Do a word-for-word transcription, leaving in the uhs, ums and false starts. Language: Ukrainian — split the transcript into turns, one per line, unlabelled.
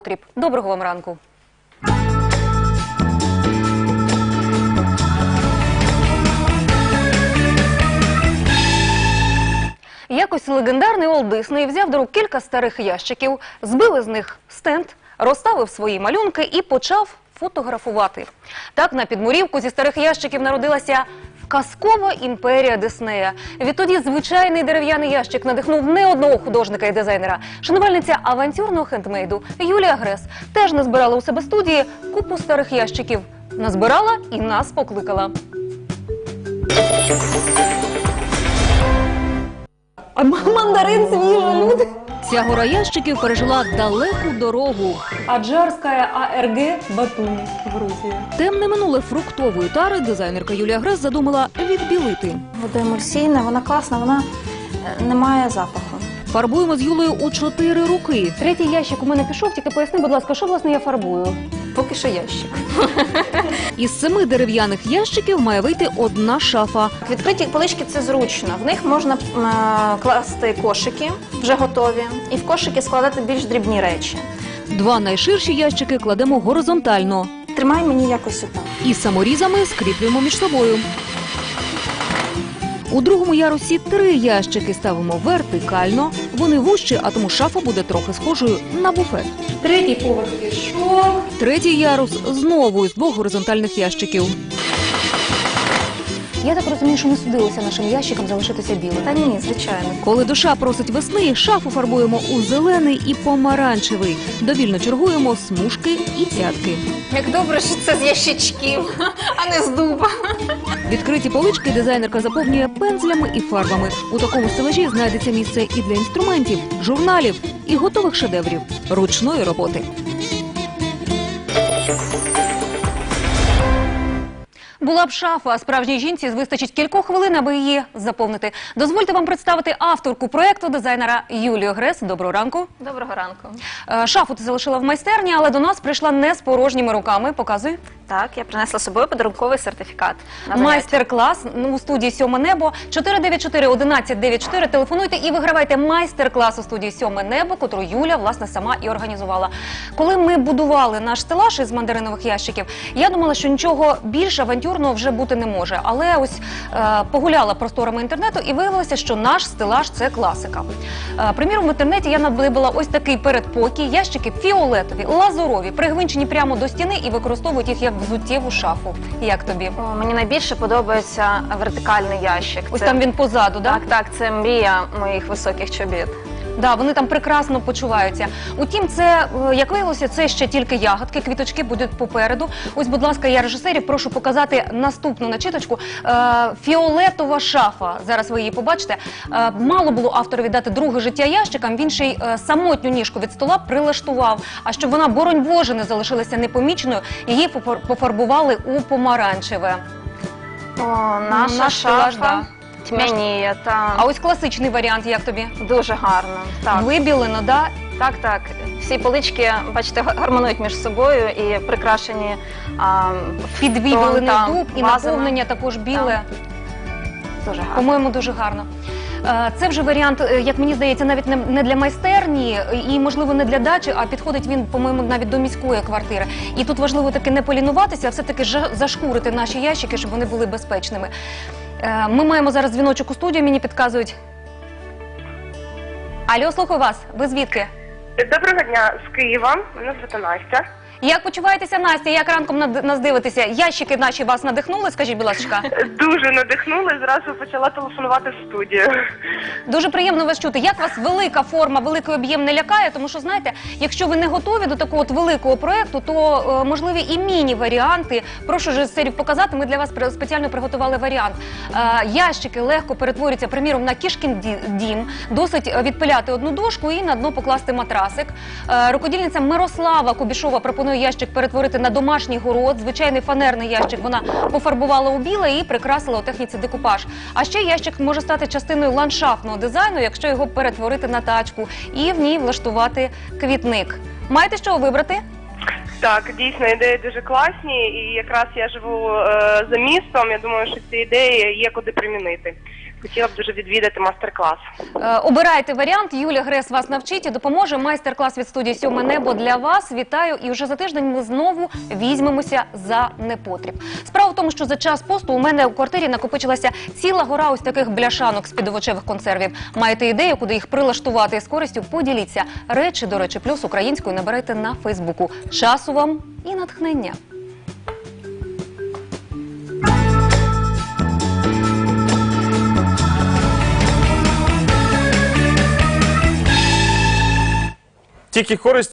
Доброго вам ранку. Якось легендарний Уолт Дисней взяв до рук кілька старих ящиків, збив із них стенд, розставив свої малюнки і почав фотографувати. Так на підмурівку зі старих ящиків народилася казкова імперія Диснея. Відтоді звичайний дерев'яний ящик надихнув не одного художника і дизайнера. Шанувальниця авантюрного хендмейду Юлія Грес теж назбирала у себе студії купу старих ящиків. Назбирала і нас покликала. А мандарин свіжий, люди. Ця гора ящиків пережила далеку дорогу. Аджарська АРГ Батум, Грузія. Темне минуле фруктової тари дизайнерка Юлія Грес задумала відбілити.
Водоемульсійна, вона класна, вона не має запаху.
Фарбуємо з Юлею у чотири руки. Третій ящик у мене пішов, тільки поясни, будь ласка, що власне я фарбую?
Поки що ящик.
Із семи дерев'яних ящиків має вийти одна шафа.
Відкриті полички – це зручно. В них можна е, класти кошики, вже готові, і в кошики складати більш дрібні речі.
Два найширші ящики кладемо горизонтально.
Тримай мені якось отак.
І саморізами скріплюємо між собою. У другому ярусі три ящики ставимо вертикально. Вони вужчі, а тому шафа буде трохи схожою на буфет. Третій поверх пішов. Третій ярус знову із двох горизонтальних ящиків. Я так розумію, що не судилося нашим ящикам залишитися білим.
Та ні, звичайно.
Коли душа просить весни, шафу фарбуємо у зелений і помаранчевий. Довільно чергуємо смужки і цятки.
Як добре, що це з ящичків, а не з дуба.
Відкриті полички дизайнерка заповнює пензлями і фарбами. У такому стелажі знайдеться місце і для інструментів, журналів і готових шедеврів ручної роботи. Була б шафа, а справжній жінці вистачить кількох хвилин, аби її заповнити. Дозвольте вам представити авторку проєкту, дизайнера Юлію Грес. Доброго ранку.
Доброго ранку.
Шафу ти залишила в майстерні, але до нас прийшла не з порожніми руками. Показуй.
Так, я принесла з собою подарунковий сертифікат.
Майстер-клас у студії «Сьоме небо». чотири дев'ять чотири одинадцять дев'ять чотири. Телефонуйте і вигравайте майстер-клас у студії «Сьоме небо», котру Юля, власне, сама і організувала. Коли ми будували наш стелаж із мандаринових ящиків, я думала, що нічого більш авантюрного вже бути не може. Але ось е, погуляла просторами інтернету і виявилося, що наш стелаж – це класика. Е, приміром, в інтернеті я надибала ось такий передпокій. Ящики фіолетові, лазурові, пригвинчені прямо до стіни і використовують їх як взуттєву шафу. Як тобі?
О, мені найбільше подобається вертикальний ящик.
Ось
це...
там він позаду, так?
Так, так, це мрія моїх високих чобіт.
Да, вони там прекрасно почуваються. Утім, це, як виявилося, це ще тільки ягодки, квіточки будуть попереду. Ось, будь ласка, я режисерів прошу показати наступну начиточку. Е, фіолетова шафа, зараз ви її побачите. Е, мало було авторові дати друге життя ящикам, він ще й е, самотню ніжку від стола прилаштував. А щоб вона, боронь Боже, не залишилася непоміченою, її пофарбували у помаранчеве.
О, наша
Наш
шафа.
стелаж, да.
Тьмяніє, та...
А ось класичний варіант, як тобі?
Дуже гарно. Так.
Вибілено, да?
Так, так. Всі полички, бачите, гармонують між собою і прикрашені а,
підвіблений
та,
дуб і
вазами.
наповнення також біле.
Дуже гарно.
По-моєму, дуже гарно. Це вже варіант, як мені здається, навіть не для майстерні і, можливо, не для дачі, а підходить він, по-моєму, навіть до міської квартири. І тут важливо таки не полінуватися, а все-таки зашкурити наші ящики, щоб вони були безпечними. Ми маємо зараз дзвіночок у студію, мені підказують. Алло, слухаю вас. Ви звідки?
Доброго дня, з Києва. Мене звати Настя.
Як почуваєтеся, Настя? Як ранком нас дивитеся? Ящики наші вас надихнули, скажіть, будь ласка?
Дуже надихнули, зразу почала телефонувати в студію.
Дуже приємно вас чути. Як вас велика форма, великий об'єм не лякає? Тому що, знаєте, якщо ви не готові до такого от великого проєкту, то е, можливі і міні-варіанти. Прошу режисерів показати, ми для вас спеціально приготували варіант. Е, ящики легко перетворюються, приміром, на кішкін дім. Досить відпиляти одну дошку і на дно покласти матрасик. Е, рукодільниця Мирослава Кубішова пропонує ящик перетворити на домашній город. Звичайний фанерний ящик вона пофарбувала у біле і прикрасила у техніці декупаж. А ще ящик може стати частиною ландшафтного дизайну, якщо його перетворити на тачку і в ній влаштувати квітник. Маєте що вибрати?
Так, дійсно, ідеї дуже класні, і якраз я живу е, за містом, я думаю, що ці ідеї є куди примінити. Хотіла б дуже відвідати мастер-клас.
Е, Обирайте варіант. Юлія Грес вас навчить і допоможе. Майстер-клас від студії «Сьоме небо» для вас. Вітаю. І вже за тиждень ми знову візьмемося за непотріб. Справа в тому, що за час посту у мене у квартирі накопичилася ціла гора ось таких бляшанок з-під овочевих консервів. Маєте ідею, куди їх прилаштувати з користю? Поділіться. Речі, до речі, плюс українською наберете на Фейсбуку. Часу вам і натхнення.
Тільки користь